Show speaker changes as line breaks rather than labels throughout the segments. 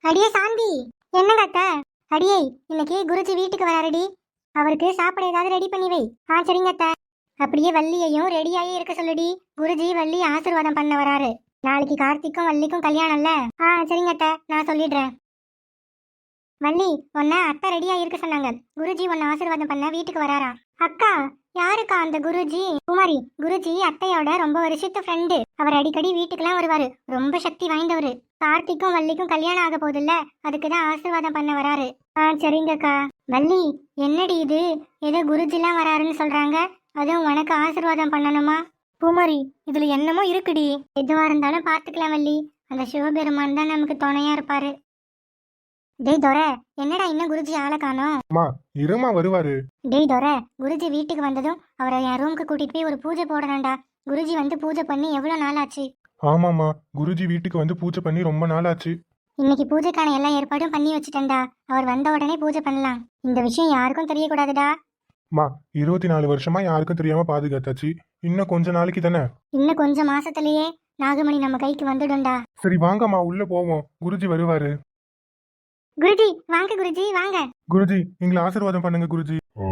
அடியே சாந்தி, என்னங்க அத்தை? அடியே, இன்னைக்கு குருஜி வீட்டுக்கு வராருடி. அவருக்கு சாப்பிட ஏதாவது ரெடி பண்ணி வை. சரிங்க அத்தை. அப்படியே வள்ளியையும் ரெடியாகி இருக்க சொல்லுடி. குருஜி வள்ளி ஆசீர்வாதம் பண்ண வராரு. நாளைக்கு கார்த்திக்கும் வள்ளிக்கும் கல்யாணம்ல. சரிங்க அத்தை, நான் சொல்லிடுறேன். வள்ளி, உன்ன அத்தை ரெடியா இருக்க சொன்னாங்க. குருஜி உன்னை ஆசீர்வாதம் பண்ண வீட்டுக்கு வராரா? அக்கா, யாருக்கா அந்த குருஜி? குமாரி, குருஜி அத்தையோட ரொம்ப வருஷத்து ஃப்ரெண்டு. அவர் அடிக்கடி வீட்டுக்கெல்லாம் வருவாரு. ரொம்ப சக்தி வாய்ந்தவரு. கார்த்திக்கும் வள்ளிக்கும் கல்யாணம் ஆக போகுதுல்ல, அதுக்குதான் ஆசீர்வாதம் பண்ண வராரு. சரிங்கக்கா. வள்ளி, என்னடி இது? ஏதோ குருஜிலாம் வராருன்னு சொல்றாங்க. அதுவும் உனக்கு ஆசீர்வாதம் பண்ணணுமா? பூமாரி, இதுல என்னமோ இருக்குடி. எதுவா இருந்தாலும் பாத்துக்கலாம் வள்ளி. அந்த சிவபெருமான் தான் நமக்கு துணையா இருப்பாரு. டேய் தோர, என்னடா இன்னும் குருஜி ஆளை காணோம்?
அம்மா, இருமா வருவாரு.
டேய் தோர, குருஜி வீட்டுக்கு வந்ததும் அவரை என் ரூமுக்கு கூட்டிட்டு போய் ஒரு பூஜை போடணும்டா. குருஜி வந்து பூஜை பண்ணி எவ்வளவு நாள் ஆச்சு?
ஆமாம்மா, குருஜி வீட்டுக்கு வந்து பூஜை பண்ணி ரொம்ப நாள் ஆச்சு.
இன்னைக்கு பூஜைக்கான எல்லா ஏற்பாடும் பண்ணி வச்சுட்டேன்டா. அவர் வந்த உடனே பூஜை பண்ணலாம். இந்த விஷயம் யாருக்கும் தெரியக்கூடாதுடா.
அம்மா, 24 வருஷமா யாருக்கும் தெரியாம பாதுகாத்தாச்சு. இன்னும் கொஞ்ச நாளைக்கு தானே.
இன்னும் கொஞ்சம் மாசத்திலேயே நாகமணி நம்ம கைக்கு வந்துடும்டா.
சரி வாங்கம்மா, உள்ள போவோம். குருஜி வருவாரு.
குருஜி வாங்க, குருஜி வாங்க.
குருஜி, எங்களை ஆசீர்வாதம் பண்ணுங்க குருஜி.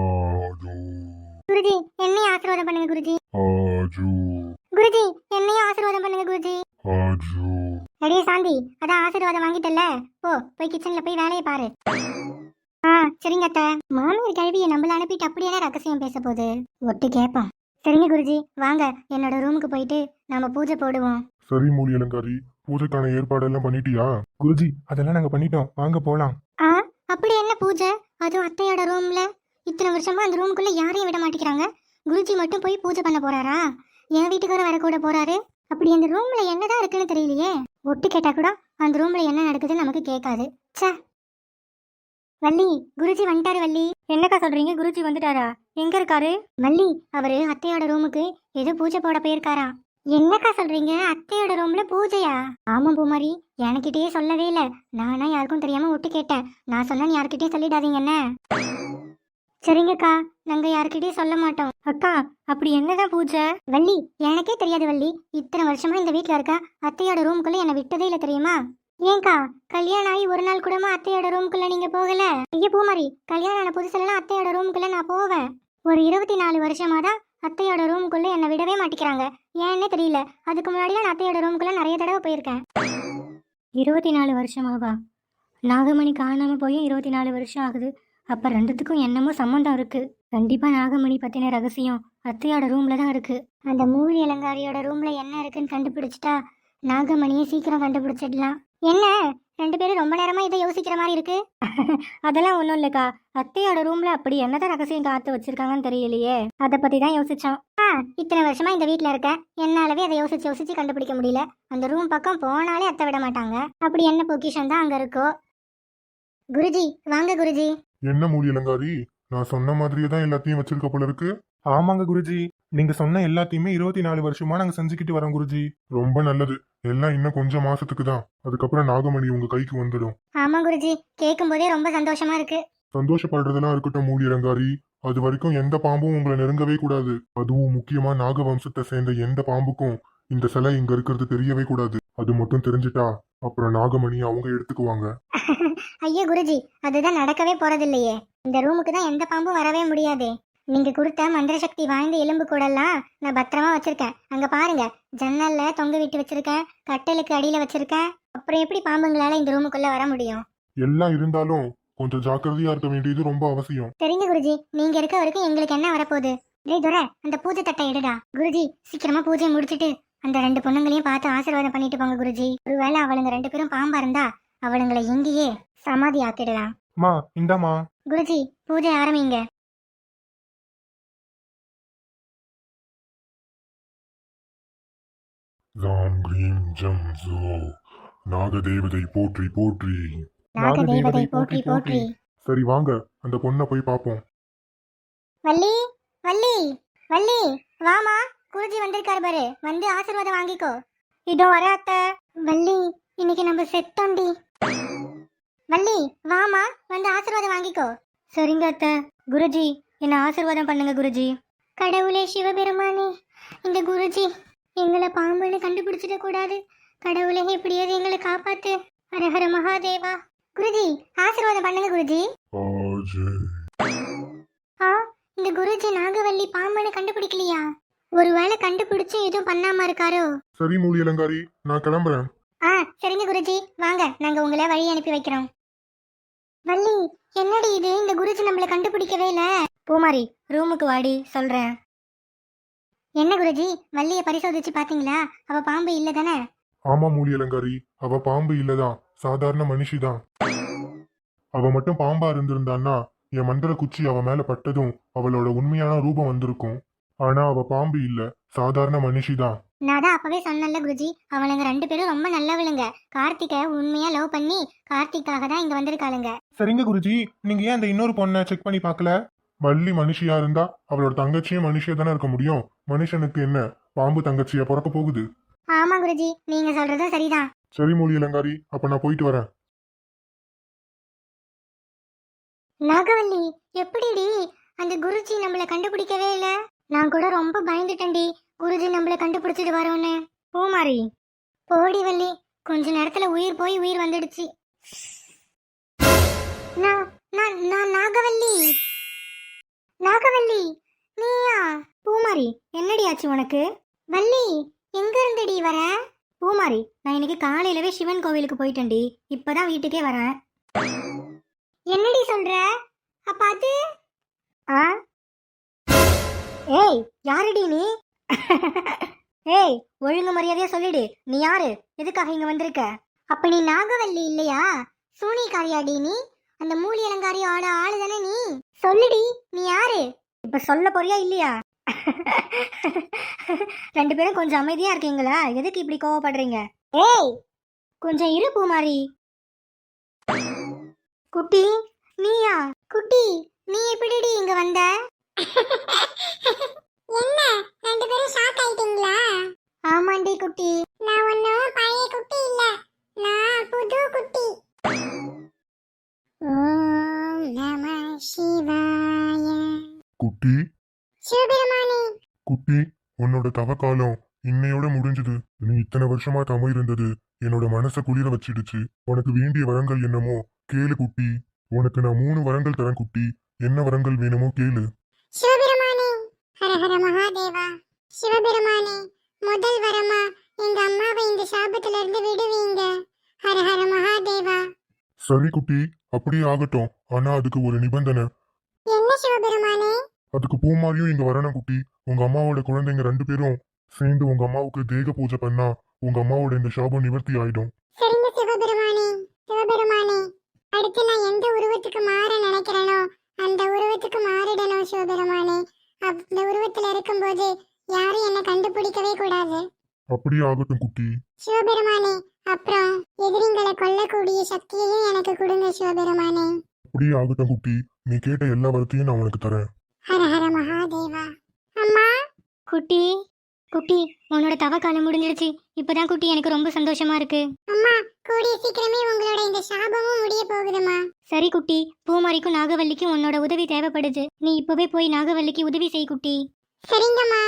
குருஜி, என்னையும் ஆசீர்வாதம் பண்ணுங்க குருஜி. குருஜி, என்னையும் ஆசீர்வாதம் பண்ணுங்க குருஜி. அடியே சாந்தி, அதான் ஆசீர்வாதம் வாங்கிட்டல்ல, போய் கிச்சன்ல போய் வேலையை பாரு. சரிங்க அத்தை. மாமியார் கழுவியை நம்மள அனுப்பிட்டு அப்படியே ரகசியம் பேச போகுது. ஒட்டு கேட்போம். சரிங்க குருஜி, வாங்க என்னோட ரூமுக்கு போயிட்டு நாம பூஜை போடுவோம்.
சரி மூலி அலங்காரி, பூஜைக்கான ஏற்பாடெல்லாம் பண்ணிட்டியா? குருஜி, அதெல்லாம் நாங்க பண்ணிட்டோம், வாங்க போலாம்.
அப்படி என்ன பூஜை? அதுவும் அத்தையோட ரூம்ல. இத்தனை வருஷமா அந்த ரூமுக்குள்ள யாரையும் விட மாட்டேங்கிறாங்க. குருஜி மட்டும் போய் பூஜை பண்ண போறாரா? என் வீட்டுக்கு வர கூட போறாரு. அப்படி அந்த ரூம்ல என்னதான் இருக்குன்னு தெரியலையே. ஒட்டு கேட்டா கூட அந்த ரூம்ல என்ன நடக்குதுன்னு நமக்கு கேட்காது. சே. வள்ளி, குருஜி வந்துட்டாரு. வள்ளி, என்னக்கா சொல்றீங்க? குருஜி வந்துட்டாரா? எங்க இருக்காரு? வள்ளி, அவரு அத்தையோட ரூமுக்கு ஏதோ பூஜை போட போயிருக்காரா. என்னக்கா சொல்றீங்க? அத்தையோட ரூம்ல பூஜையா? ஆமா பூமாரி, எனக்கிட்டயே சொல்லவே இல்ல. நானா யாருக்கும் தெரியாம ஒட்டு கேட்டேன். நான் சொன்னா யாருக்கிட்டயும் சொல்லிடாதீங்க என்ன? சரிங்கக்கா, நாங்க யாருக்கிட்டயும் சொல்ல மாட்டோம். அக்கா, அப்படி என்னதான் பூஜை? வள்ளி, எனக்கே தெரியாது வள்ளி. இத்தனை வருஷமா இந்த வீட்டுல இருக்க அத்தையோட ரூமுக்குள்ள என்ன விட்டதே இல்ல தெரியுமா? ஏங்கா, கல்யாணம் ஆகி ஒரு நாள் கூடமா அத்தையோட ரூமுக்குள்ள நீங்க போகல? ஐயா பூமாரி, கல்யாணம் ஆன புதுசுலாம் அத்தையோட ரூமுக்குள்ள நான் போவேன். ஒரு 24 வருஷமா தான் அத்தையோட ரூமுக்குள்ள என்னை விடவே மாட்டேங்கிறாங்க. ஏன்னே தெரியல. அதுக்கு முன்னாடியே நான் அத்தையோட ரூமுக்குள்ள நிறைய தடவை போயிருக்கேன். 24 வருஷமாவா? நாகமணி காணாம போய் 24 வருஷம் ஆகுது. அப்ப ரெண்டுத்துக்கும் என்னமோ சம்மந்தம் இருக்கு. கண்டிப்பா நாகமணி பத்தின ரகசியம் அத்தையோட ரூம்ல தான் இருக்கு. அந்த மூலி அலங்காரியோட ரூம்ல என்ன இருக்குன்னு கண்டுபிடிச்சிட்டா நாகமணியை சீக்கிரம் கண்டுபிடிச்சிடலாம். என்ன ரெண்டு பேரும் ரொம்ப நேரமா இதை யோசிக்கிற மாதிரி இருக்கு? அதெல்லாம் ஒன்றும் இல்லைக்கா. அத்தையோட ரூம்ல அப்படி என்னதான் ரகசியம் காத்து வச்சிருக்காங்கன்னு தெரியலையே. அதை பத்தி தான் யோசிச்சோம். இத்தனை வருஷமா இந்த வீட்டுல இருக்க என்னாலவே அதை யோசிச்சு யோசிச்சு கண்டுபிடிக்க முடியல. அந்த ரூம் பக்கம் போனாலே அத்தை விட மாட்டாங்க. அப்படி என்ன பொக்கிஷன் தான் அங்க இருக்கோ? குருஜி வாங்க குருஜி.
என்ன மூலி அலங்காரி, நான் சொன்ன மாதிரியே தான் எல்லாத்தையும் வச்சிருக்க போல இருக்கு. ஆமாங்க குருஜி, நீங்க சொன்ன எல்லாத்தையுமே 24 வருஷமா நாங்க செஞ்சுக்கிட்டு வரோம் குருஜி. ரொம்ப நல்லது. எல்லாம் இன்னும் கொஞ்சம் மாசத்துக்கு தான். அதுக்கப்புறம் நாகமணி உங்க கைக்கு வந்துடும்.
ஆமா குருஜி, கேட்கும் போதே ரொம்ப சந்தோஷமா இருக்கு.
சந்தோஷப்படுறதெல்லாம் இருக்கட்டும் மூலி அலங்காரி, அது வரைக்கும் எந்த பாம்பும் உங்களை நெருங்கவே கூடாது. அதுவும் முக்கியமா நாக வம்சத்தை சேர்ந்த எந்த பாம்புக்கும் இந்த சிலை இங்க இருக்கிறது தெரியவே கூடாது. அது மட்டும் தெரிஞ்சிட்டா அப்புறம் நாகமணி அவங்க எடுத்துக்குவாங்க.
ஐயோ குருஜி, அதுதான் நடக்கவே போறதில்லையே. இந்த ரூமுக்கு தான் எந்த பாம்பும் வரவே முடியாதே. நீங்க கொடுத்த மந்திர சக்தி வாய்ந்த எலும்பு கூடலாம் நான் பத்திரமா வச்சிருக்கேன். அங்க பாருங்க, ஜன்னல்ல தொங்க விட்டு வச்சிருக்கேன், கட்டலுக்கு அடியில வச்சிருக்கேன். அப்புறம் எப்படி பாம்புங்களால இந்த ரூமுக்குள்ள வர முடியும்?
எல்லாம் இருந்தாலும் கொஞ்சம் ஜாக்கிரதையா இருக்க வேண்டியது ரொம்ப அவசியம்.
சரிங்க குருஜி, நீங்க இருக்க வரைக்கும் எங்களுக்கு என்ன வரப்போகுது? டேய் துரை, அந்த பூஜை தட்டை எடுடா. குருஜி, சீக்கிரமா பூஜையை முடிச்சிட்டு அந்த 2 பொண்ணுங்களையும் பார்த்து ஆசீர்வாதம் பண்ணிட்டு போங்க குருஜி. ஒருவேளை அவளுங்க 2 பேரும் பாம்பா இருந்தா அவளுங்களை எங்கேயே சமாதி ஆக்கிடலாம்.
மா இந்தாமா.
குருஜி, பூஜை ஆரம்பிங்க.
ராம் கிரீம் ஜம் ஜோ, நாகதேவதை போற்றி போற்றி.
நாகதேவதை போற்றி போற்றி.
சரி வாங்க, அந்த பொண்ணை போய் பாப்போம்.
வள்ளி, வள்ளி, வள்ளி, வாமா. குருஜி வந்திருக்காரு பாரு, வந்து ஆசீர்வாதம் வாங்கிக்கோ. இதோ வர அத்தை. வள்ளி, இன்னைக்கு நம்ம செத்தோண்டி. வள்ளி, வாமா, வந்து ஆசீர்வாதம் வாங்கிக்கோ. சரிங்க அத்தை. குருஜி, என்ன ஆசீர்வாதம் பண்ணுங்க குருஜி. கடவுளே சிவபெருமானே, இந்த குருஜி எங்களை பாம்புன்னு கண்டுபிடிச்சிட கூடாது. கடவுளே, எப்படியாவது எங்களை காப்பாத்து. ஹர ஹர மகாதேவா. குருஜி ஆசீர்வாதம் பண்ணுங்க குருஜி.
அஜய்.
ஆ, இந்த குருஜி நாகவல்லி பாம்பனை கண்டுபிடிக்கலையா? ஒருவேளை கண்டுபிடிச்சு எதுவும் பண்ணாம இருக்காரோ?
சரி மூலி அலங்காரி, நான் கிளம்புறேன்.
ஆ சரிங்க குருஜி, வாங்க நாங்க உங்களை வழி அனுப்பி வைக்கிறோம். வள்ளி, என்னடி இது, இந்த குருஜி நம்மள கண்டுபிடிக்கவே இல்ல. பூமாரி, ரூமுக்கு வாடி சொல்றேன். என்ன குருஜி, வள்ளிய பரிசோதிச்சு பாத்தீங்களா? அவ பாம்பு இல்ல தானே?
ஆமா மூலி அலங்காரி, அவ பாம்பு இல்லதான், சாதாரண மனுஷிதான். அவ மட்டும் பாம்பா இருந்திருந்தான்னா என் மந்திர குச்சி அவ மேல பட்டதும் அவளோட உண்மையான ரூபம் வந்திருக்கும். ஆனா அவ பாம்பு இல்ல, சாதாரண மனுஷிதான்.
நான் தான் அப்பவே சொன்னேன்ல குருஜி, அவளுங்க 2 பேரும் ரொம்ப நல்லவளுங்க. கார்த்திகை உண்மையா லவ் பண்ணி கார்த்திக்காக தான் இங்க வந்திருக்காளுங்க.
சரிங்க குருஜி, நீங்க ஏன் அந்த இன்னொரு பொண்ணை செக் பண்ணி பார்க்கல? வள்ளி மனுஷியா இருந்தா அவளோட தங்கச்சியும் மனுஷியா தானே இருக்க முடியும். மனுஷனுக்கு என்ன பாம்பு தங்கச்சியா பிறக்க போகுது?
ஆமா குருஜி, நீங்க சொல்றதும் சரிதான்.
சரி மூலி அலங்காரி, அப்ப நான் போயிட்டு வரேன்.
நாகவல்லி, எப்படிடி அந்த குருஜி நம்மள கண்டுபிடிக்கவே இல்ல? நான் கூட ரொம்ப பயந்துட்டேன்டி, குருஜி நம்மள கண்டுபிடிச்சிட்டு வரோன்னு. பூமாரி, போடி வள்ளி, கொஞ்ச நேரத்துல உயிர் போய் உயிர் வந்துடுச்சு. நான் நான் நான் நாகவல்லி. நாகவல்லி, நீயா? பூமாரி, என்னடி ஆச்சு உனக்கு? வள்ளி, எங்க இருந்தடி வர? பூமாரி, நான் இன்னைக்கு காலையிலவே சிவன் கோவிலுக்கு போயிட்டேன்டி, இப்பதான் வீட்டுக்கே வரேன். என்னடி சொல்ற? அப்ப அது ஆ? ஏய், யாருடி நீ? ஏய், ஒழுங்கு மரியாதையா சொல்லிடு, நீ யாரு, எதுக்காக இங்க வந்திருக்க? அப்ப நீ நாகவல்லி இல்லையா? சூனிகாரியாடி நீ? அந்த மூலி அலங்காரியோட ஆளு தானே நீ? சொல்லுடி, நீ யாரு? இப்ப சொல்ல போறியா இல்லையா? 2 பேரும் கொஞ்சம் அமைதியா இருக்கீங்களா? எதுக்கு இப்படி கோவப்படுறீங்க? ஏய், கொஞ்சம் இரு பூமாரி. குட்டி, நீயா? குட்டி, நீ எப்படிடி இங்க வந்த? என்ன 2 பேரும் ஷாக் ஆயிட்டீங்களா? ஆமாண்டி குட்டி, நான் ஒன்னும் பழைய குட்டி இல்ல, நான் புது குட்டி. ஓம் நம சிவாய.
குட்டி
சிவபெருமானே.
குட்டி, உன்னோட தவக்காலம் இன்னையோட முடிஞ்சது. நீ இத்தனை வருஷமா தவம் இருந்தது என்னோட மனசை குளிர வச்சிடுச்சு. உனக்கு வேண்டிய வரங்கள் என்னமோ கேளு குட்டி. உனக்கு நான் 3 வரங்கள் தரேன் குட்டி. என்ன வரங்கள் வேணுமோ கேளு.
சிவபெருமானே, ஹர ஹர மகாதேவா. சிவபெருமானே, முதல் வரமா எங்க அம்மாவை இந்த சாபத்துல இருந்து விடுவீங்க. ஹர ஹர மகாதேவா.
சரி குட்டி, அப்படியே ஆகட்டும். ஆனா அதுக்கு ஒரு நிபந்தனை.
என்ன சிவபெருமானே?
அதுக்கு பூமாரியும் இங்க வரணும் குட்டி. உங்க அம்மாவோட குழந்தைங்க 2 பேரும் சேர்ந்து உங்க அம்மாவுக்கு தேக பூஜை பண்ணா உங்க அம்மாவோட இந்த சாபம் நிவர்த்தி ஆயிடும்.
சரிங்க சிவபெருமானே. சிவபெருமானே, அடுத்து நான் எந்த உருவத்துக்கு மாற நினைக்கிறேனோ அந்த உருவத்துக்கு மாறிடணும் சிவபெருமானே. அந்த உருவத்துல இருக்கும்போது யாரும் என்ன கண்டுபிடிக்கவே கூடாது.
அப்படியே ஆகட்டும் குட்டி.
சிவபெருமானே, அப்புறம் எதிரிங்களை கொல்லக்கூடிய சக்தியையும் எனக்கு கொடுங்க சிவபெருமானே.
அப்படியே ஆகட்டும் குட்டி. நீ கேட்ட எல்லா வரத்தையும் நான் உனக்கு தரேன்.
ஹர ஹர மகாதேவா. அம்மா. குட்டி, குட்டி, உன்னோட தவக்காலம் முடிஞ்சிடுச்சு. இப்பதான் குட்டி எனக்கு ரொம்ப சந்தோஷமா இருக்கு. அம்மா, கூடிய சீக்கிரமே உங்களோட இந்த சாபமும் முடிய போகுதுமா. சரி குட்டி, பூமாரிக்கும் நாகவல்லிக்கும் உன்னோட உதவி தேவைப்படுது. நீ இப்பவே போய் நாகவல்லிக்கு உதவி செய் குட்டி. சரிங்கம்மா.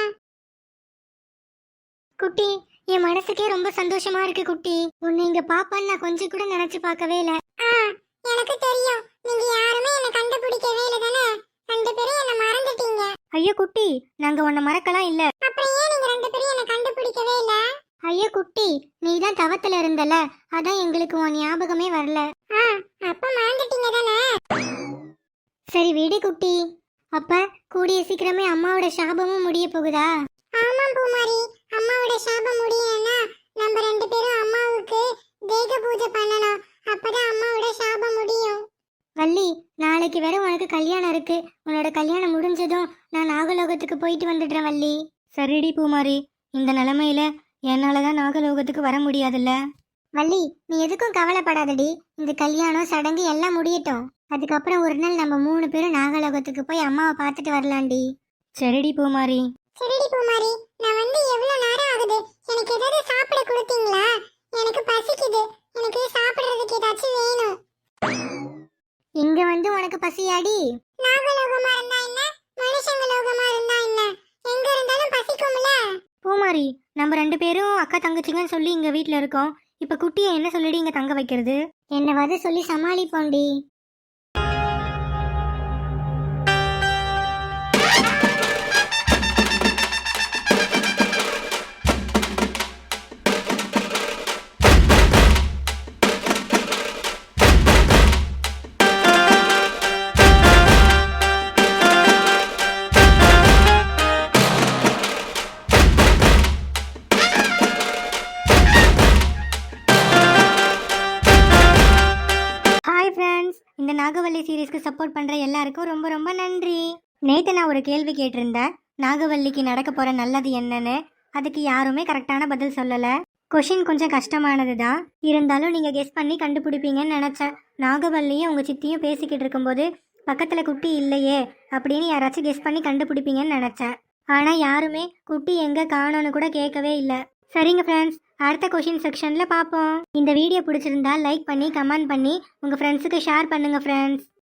குட்டி, என் மனசுக்கே ரொம்ப சந்தோஷமா இருக்கு குட்டி. உன்னை இங்க பாப்பான்னு நான் கொஞ்சம் கூட நினைச்சு பார்க்கவே இல்ல. எனக்கு தெரியும், நீங்க யாருமே என்ன கண்டுபிடிக்கவே இல்ல தானே. 2 பேரும் என்ன மறந்துட்டீங்க. ஐயோ குட்டி, நாங்க உன்னை மறக்கலாம் இல்ல. அப்புறம் ஏன் நீங்க 2 பேரும் என்ன கண்டுபிடிக்கவே இல்ல? ஐயோ குட்டி, நீ தான் தவத்துல இருந்தல, அதான் எங்களுக்கு உன் ஞாபகமே வரல. அப்ப மறந்துட்டீங்க தானே. சரி விடு குட்டி. அப்ப கூடிய சீக்கிரமே அம்மாவோட சாபமும் முடிய போகுதா? ஆமா பூமாரி, அம்மாவோட சாபம் முடியணும்னா நம்ம 2 பேரும் அம்மாவுக்கு தேக பூஜை பண்ணணும். அப்பதான் அம்மாவோட சாபம் முடியும். வள்ளி, நாளைக்கு வேற உனக்கு கல்யாணம் இருக்கு. உன்னோட கல்யாணம் முடிஞ்சதும் நான் நாகலோகத்துக்கு போயிட்டு வந்துடுறேன் வள்ளி. சரிடி பூமாரி, இந்த நிலைமையில என்னாலதான் நாகலோகத்துக்கு வர முடியாதுல்ல. வள்ளி, நீ எதுக்கும் கவலைப்படாதடி. இந்த கல்யாணம் சடங்கு எல்லாம் முடியட்டும். அதுக்கப்புறம் ஒரு நாள் நம்ம 3 பேரும் நாகலோகத்துக்கு போய் அம்மாவை பார்த்துட்டு வரலாம்டி. சரிடி பூமாரி. சரிடி பூமாரி, நான் வந்து எவ்வளவு நேரம் ஆகுது? எனக்கு ஏதாவது சாப்பிட கொடுத்தீங்களா? எனக்கு பசிக்குது. எனக்கு சாப்பிடுறதுக்கு ஏதாச்சும் வேணும். இங்க வந்து உனக்கு பசியாடி? நாகலோகமா இருந்தா என்ன, மனுஷங்க லோகமா இருந்தா என்ன, எங்க இருந்தாலும் பசிக்கும்ல. பூமாரி, நம்ம 2 பேரும் அக்கா தங்கச்சிங்கன்னு சொல்லி இங்க வீட்ல இருக்கோம். இப்ப குட்டியை என்ன சொல்லிடி இங்க தங்க வைக்கிறது? என்னவாது சொல்லி சமாளிப்போண்டி. ஹாய் ஃப்ரெண்ட்ஸ், இந்த நாகவல்லி சீரீஸ்க்கு சப்போர்ட் பண்ணுற எல்லாருக்கும் ரொம்ப ரொம்ப நன்றி. நேற்று நான் ஒரு கேள்வி கேட்டிருந்தேன், நாகவல்லிக்கு நடக்க போகிற நல்லது என்னன்னு. அதுக்கு யாருமே கரெக்டான பதில் சொல்லலை. கொஷின் கொஞ்சம் கஷ்டமானது தான், இருந்தாலும் நீங்கள் கெஸ் பண்ணி கண்டுபிடிப்பீங்கன்னு நினச்சேன். நாகவல்லியும் உங்கள் சித்தியும் பேசிக்கிட்டு இருக்கும்போது பக்கத்தில் குட்டி இல்லையே அப்படின்னு யாராச்சும் கெஸ் பண்ணி கண்டுபிடிப்பீங்கன்னு நினச்சேன். ஆனால் யாருமே குட்டி எங்கே காணோன்னு கூட கேட்கவே இல்லை. சரிங்க ஃப்ரெண்ட்ஸ், அடுத்த கொஷின் செக்ஷனில் பார்ப்போம். இந்த வீடியோ பிடிச்சிருந்தா லைக் பண்ணி கமெண்ட் பண்ணி உங்கள் ஃப்ரெண்ட்ஸுக்கு ஷேர் பண்ணுங்கள் ஃப்ரெண்ட்ஸ்.